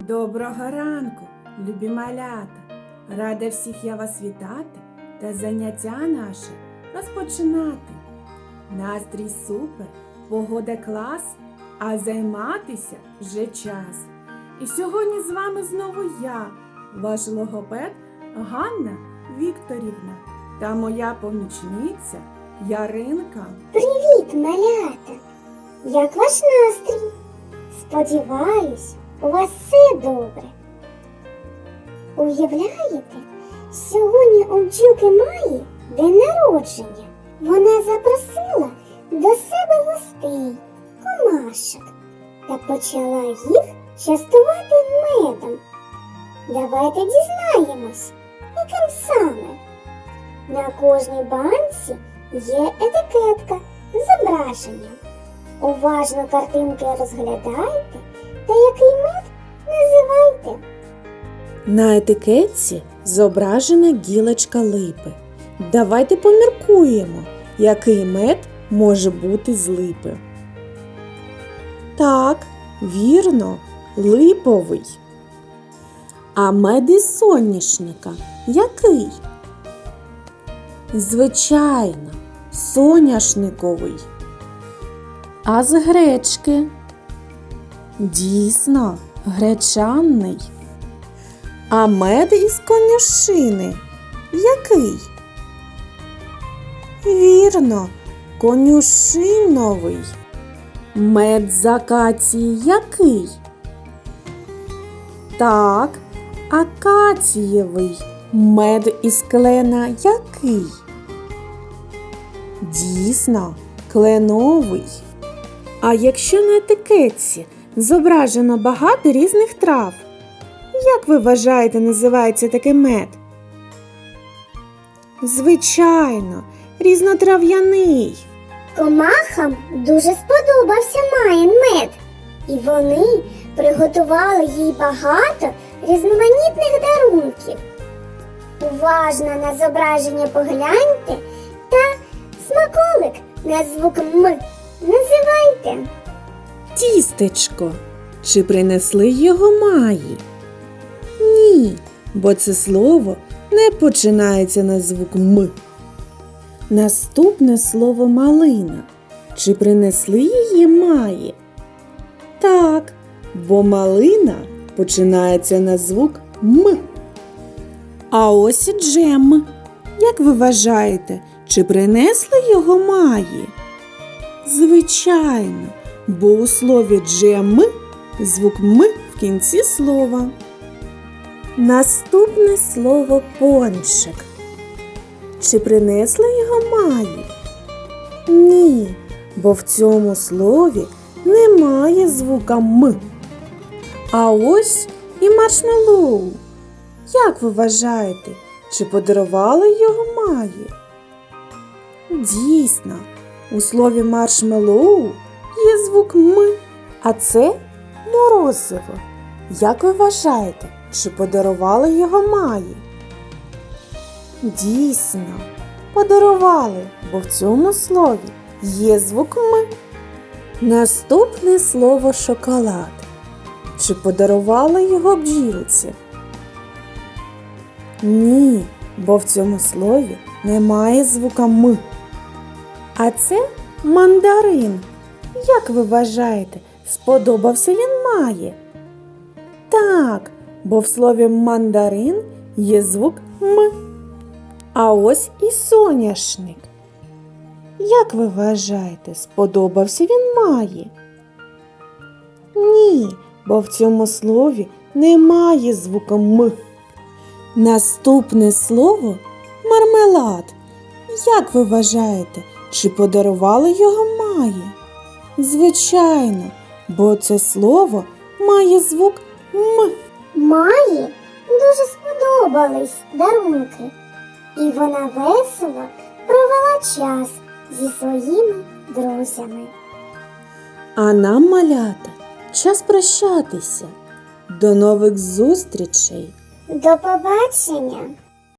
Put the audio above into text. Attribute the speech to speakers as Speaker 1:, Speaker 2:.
Speaker 1: Доброго ранку, любі малята! Рада всіх я вас вітати та заняття наше розпочинати. Настрій супер, погода клас, а займатися вже час. І сьогодні з вами знову я, ваш логопед Ганна Вікторівна та моя помічниця Яринка.
Speaker 2: Привіт, малята! Як ваш настрій? Сподіваюсь, у вас все добре. Уявляєте, сьогодні у бджілки Маї день народження. Вона запросила до себе гостей, комашок, та почала їх частувати медом. Давайте дізнаємось, яким саме. На кожній банці є етикетка з зображенням. Уважно картинки розглядайте та який мед називайте.
Speaker 3: На етикетці зображена гілочка липи. Давайте поміркуємо, який мед може бути з липи. Так, вірно, липовий. А мед із соняшника який? Звичайно, соняшниковий. А з гречки? Дійсно, гречанний. А мед із конюшини який? Вірно, конюшиновий. Мед з акації який? Так, акацієвий. Мед із клена який? Дійсно, кленовий. А якщо на етикетці зображено багато різних трав, як ви вважаєте, називається такий мед? Звичайно, різнотрав'яний.
Speaker 2: Комахам дуже сподобався Маїн мед, і вони приготували їй багато різноманітних дарунків. Уважно на зображення погляньте та смаколик на звук «м» називайте.
Speaker 3: Тістечко. Чи принесли його Маї? Ні, бо це слово не починається на звук «м». Наступне слово малина. Чи принесли її Маї? Так, бо малина починається на звук «м». А ось і джем. Як ви вважаєте, чи принесли його Маї? Звичайно, бо у слові джем звук «м» в кінці слова. Наступне слово пончик. Чи принесли його Маї? Ні, бо в цьому слові немає звука «м». А ось і маршмеллоу. Як ви вважаєте, чи подарували його Маї? Дійсно, у слові маршмеллоу є звук «м», а це морозиво. Як ви вважаєте, чи подарували його Маї? Дійсно, подарували, бо в цьому слові є звук «м». Наступне слово шоколад. Чи подарували його бджілці? Ні, бо в цьому слові немає звука «м». А це мандарин. Як ви вважаєте, сподобався він Маї? Так, бо в слові мандарин є звук «м». А ось і соняшник. Як ви вважаєте, сподобався він Маї? Ні, бо в цьому слові немає звука «м». Наступне слово мармелад. Як ви вважаєте, чи подарували його Маї? Звичайно, бо це слово має звук «м».
Speaker 2: Маї дуже сподобались дарунки, і вона весело провела час зі своїми друзями.
Speaker 3: А нам, малята, час прощатися. До нових зустрічей!
Speaker 2: До побачення!